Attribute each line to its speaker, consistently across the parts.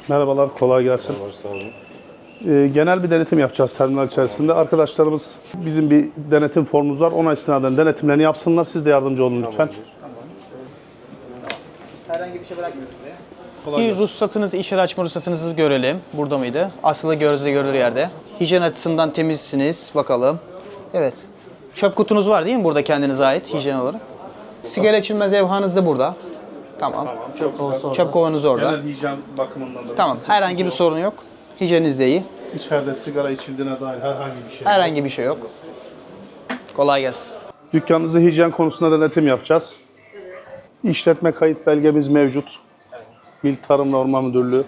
Speaker 1: Merhabalar, kolay gelsin.
Speaker 2: Merhabalar, sağ olun.
Speaker 1: Genel bir denetim yapacağız terminal içerisinde. Arkadaşlarımız, bizim bir denetim formumuz var. Ona istinaden denetimlerini yapsınlar. Siz de yardımcı olun lütfen.
Speaker 3: Herhangi bir şey bırakmıyoruz buraya.
Speaker 1: Kolay
Speaker 3: Ruhsatınız, iş yeri açma ruhsatınızı görelim. Burada mıydı? Asılı gözle görülür yerde. Hijyen açısından temizsiniz. Bakalım. Evet. Çöp kutunuz var değil mi burada kendinize ait hijyen olarak? Sigara içilmez evhanız da burada. Tamam. Çöp kovanız orada.
Speaker 1: Genel hijyen bakımından da.
Speaker 3: Tamam. Herhangi bir sorun yok. Hijyeniniz de iyi.
Speaker 1: İçeride sigara içildiğine dair herhangi bir şey.
Speaker 3: Herhangi bir şey yok. Kolay gelsin.
Speaker 1: Dükkanınızı hijyen konusunda denetim yapacağız. İşletme kayıt belgemiz mevcut. İl Tarım ve Orman Müdürlüğü.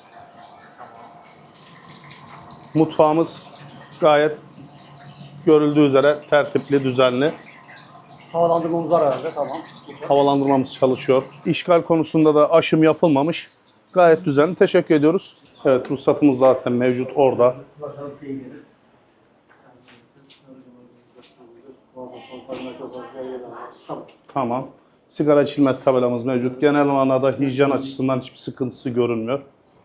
Speaker 1: Mutfağımız gayet görüldüğü üzere tertipli, düzenli.
Speaker 4: Havalandırmamız var herhalde, tamam.
Speaker 1: Havalandırmamız çalışıyor. İşgal konusunda da aşım yapılmamış. Gayet düzenli. Teşekkür ediyoruz. Evet, ruhsatımız zaten mevcut orada. Tamam. Sigara içilmez tabelamız mevcut. Genel manada hijyen açısından hiçbir sıkıntısı görünmüyor.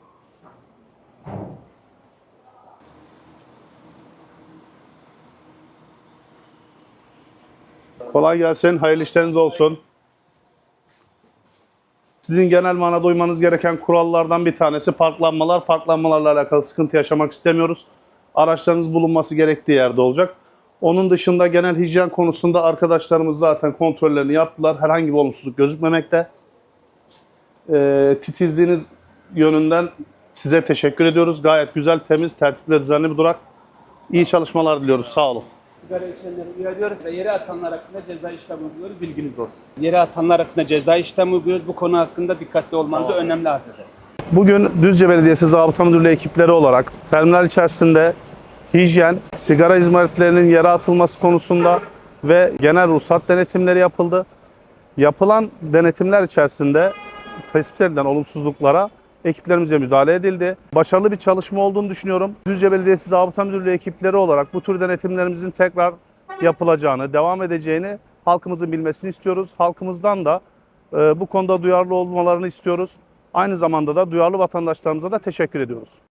Speaker 1: Kolay gelsin. Hayırlı işleriniz olsun. Sizin genel manada uymanız gereken kurallardan bir tanesi parklanmalar. Parklanmalarla alakalı sıkıntı yaşamak istemiyoruz. Araçlarınız bulunması gerektiği yerde olacak. Onun dışında genel hijyen konusunda arkadaşlarımız zaten kontrollerini yaptılar. Herhangi bir olumsuzluk gözükmemekte. Titizliğiniz yönünden size teşekkür ediyoruz. Gayet güzel, temiz, tertipli ve düzenli bir durak. İyi çalışmalar diliyoruz. Sağ olun.
Speaker 5: Sigara içenleri uyarıyoruz ve yere atanlar hakkında ceza işlemi uyguluyoruz. Bilginiz olsun. Yere atanlar hakkında ceza işlemi uyguluyoruz. Bu konu hakkında dikkatli olmanızı önemli arz ederiz.
Speaker 1: Bugün Düzce Belediyesi Zabıta Müdürlüğü ekipleri olarak terminal içerisinde hijyen, sigara izmaritlerinin yere atılması konusunda ve genel ruhsat denetimleri yapıldı. Yapılan denetimler içerisinde tespit edilen olumsuzluklara ekiplerimize müdahale edildi. Başarılı bir çalışma olduğunu düşünüyorum. Düzce Belediyesi Zabıta Müdürlüğü ekipleri olarak bu tür denetimlerimizin tekrar yapılacağını, devam edeceğini halkımızın bilmesini istiyoruz. Halkımızdan da bu konuda duyarlı olmalarını istiyoruz. Aynı zamanda da duyarlı vatandaşlarımıza da teşekkür ediyoruz.